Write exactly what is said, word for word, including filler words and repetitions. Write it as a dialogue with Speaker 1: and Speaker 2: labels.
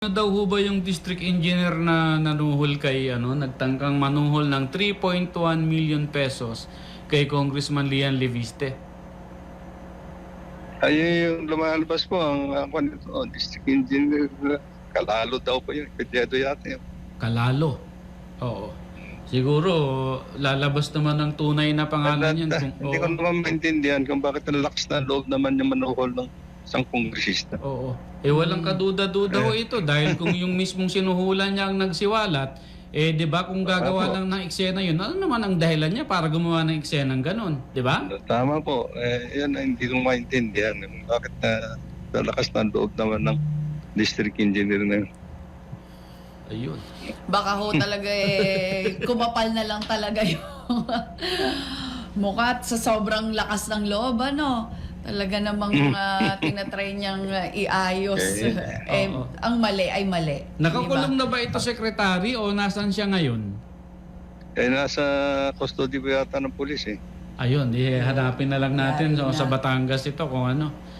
Speaker 1: Ano daw ho ba yung district engineer na nanuhol kay ano, nagtangkang manuhol ng three point one million pesos kay Congressman Lian Leviste?
Speaker 2: Ay, yung lumalabas po, ang ako nito, oh, district engineer, Kalalo daw po yun, Pedrado yata yun.
Speaker 1: Kalalo. Oo. Siguro lalabas naman ng tunay na pangalan yan. Kung,
Speaker 2: Hindi ko
Speaker 1: oo.
Speaker 2: naman maintindihan kung bakit ang lakas na loob naman yung manuhol ng isang kongresista.
Speaker 1: Oo. Eh walang kaduda-duda ho ito dahil kung yung mismong sinuhulan niya ang nagsiwalat, eh 'di ba kung gagawa lang ng eksena yun, ano naman ang dahilan niya para gumawa ng eksena ng ganun, 'di ba?
Speaker 2: Tama po, eh, yan ang hindi ko maintindihan. Bakit na uh, lakas na loob naman ng district engineer na yun.
Speaker 1: Ayun.
Speaker 3: Baka ho talaga eh, kumapal na lang talaga yung mukha at sa sobrang lakas ng loob, ano? Talaga namang uh, tinatry niyang uh, iayos.
Speaker 2: Okay.
Speaker 3: eh,
Speaker 1: Oo.
Speaker 3: ang mali ay mali.
Speaker 1: Nakakulong
Speaker 3: Diba?
Speaker 1: na ba ito, secretary, o nasan siya ngayon?
Speaker 2: Eh, nasa custody po yata ng pulis eh.
Speaker 1: Ayun, eh, hanapin na lang natin
Speaker 3: Yari
Speaker 1: so, sa
Speaker 3: na.
Speaker 1: Batangas ito kung ano.